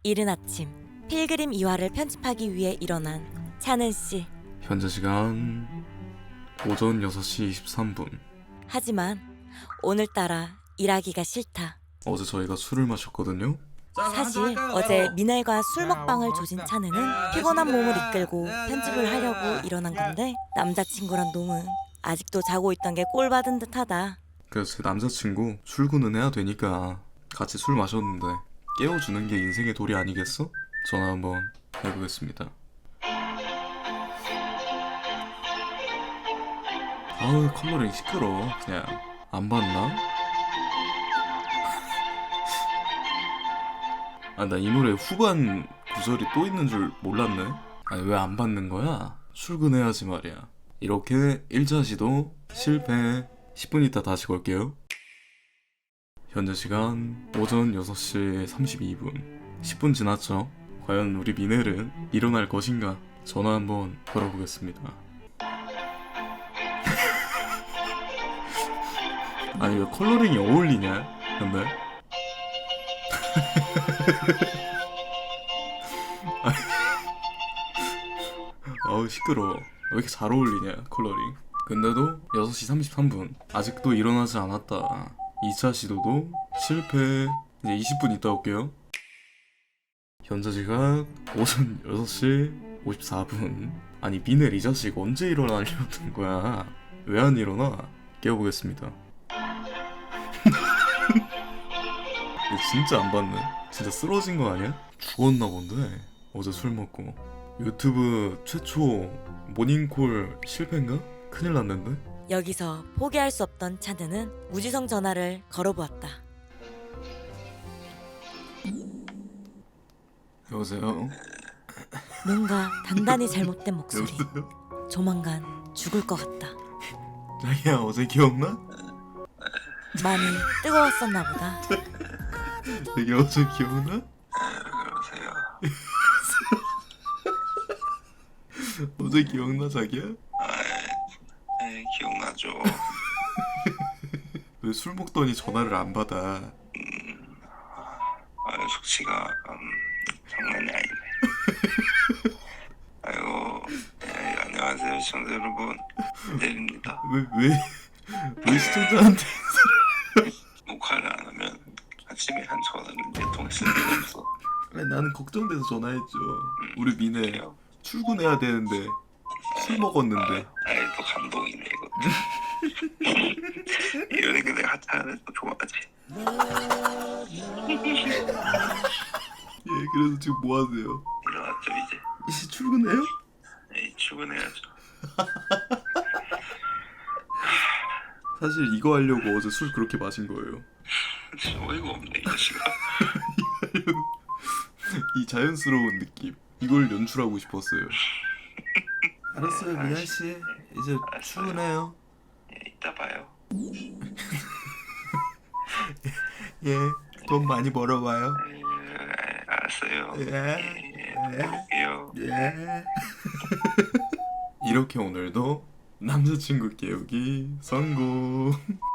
이른 아침 필그림 이화를 편집하기 위해 일어난 찬은 씨. 현재 시간 오전 6시 23분. 하지만 오늘따라 일하기가 싫다. 어제 저희가 술을 마셨거든요. 사실 어제 미넬과 술 먹방을 조진 찬우는 피곤한 몸을 이끌고 편집을 하려고 일어난 건데 남자친구란 놈은 아직도 자고 있던 게 꼴받은 듯하다. 그래서 제 남자친구 출근은 해야 되니까 같이 술 마셨는데 깨워주는 게 인생의 도리 아니겠어? 전화 한번 해보겠습니다. 아우 컬러링 시끄러워. 그냥 안 봤나? 아 나 이 노래 후반 구절이 또 있는 줄 몰랐네. 아니 왜 안 받는 거야? 출근해야지 말이야. 이렇게 1차 시도 실패. 10분 있다 다시 걸게요. 현재 시간 오전 6시 32분. 10분 지났죠? 과연 우리 미넬은 일어날 것인가? 전화 한번 걸어보겠습니다. 아니 왜 컬러링이 어울리냐? 근데 아우 시끄러워. 왜 이렇게 잘 어울리냐 컬러링. 근데도 6시 33분 아직도 일어나지 않았다. 2차 시도도 실패. 이제 20분 있다 올게요. 현재 시각 오전 6시 54분. 아니 미넬 이 자식 언제 일어나려는 거야? 왜 안 일어나? 깨워보겠습니다. 진짜 안 봤네. 진짜 쓰러진 거 아니야? 죽었나 본데. 어제 술 먹고. 유튜브 최초 모닝콜 실패인가? 큰일 났는데? 여기서 포기할 수 없던 찬우는 무지성 전화를 걸어보았다. 여보세요? 뭔가 단단히 잘못된 목소리. 여보세요? 조만간 죽을 것 같다. 자기야 어제 기억나? 많이 뜨거웠었나 보다. 자기 어제 기억나? 그러세요. 어제 기억나 자기야? 네, 기억나죠. 왜 술 먹더니 전화를 안 받아? 숙취가 장난이 아니네. 아이고, 네, 안녕하세요 시청자 여러분. 내립니다. 왜 시청자한테 녹화를 안 하면 아침에 한 전화를 내통했을 리가 없어. 아니, 나는 걱정돼서 전화했죠. 우리 미네 그래요? 출근해야 되는데 술 먹었는데. 아이 또 감동이네 이거. 이러니까 내가 하차하는 거 좋아하지. 예, 그래서 지금 뭐 하세요? 일어났죠 이제. 이제 출근해요? 네, 출근해야죠. 사실 이거 하려고 어제 술 그렇게 마신 거예요. 어이가 없네 이 자식아. 이 자연스러운 느낌, 이걸 연출하고 싶었어요. 알았어요 미아 씨, 이제 출근해요. 예, 이따 봐요. 예, 돈 많이 벌어와요. 알았어요. 예. 볼게요. 예. 이렇게 오늘도 남자친구 깨우기 성공.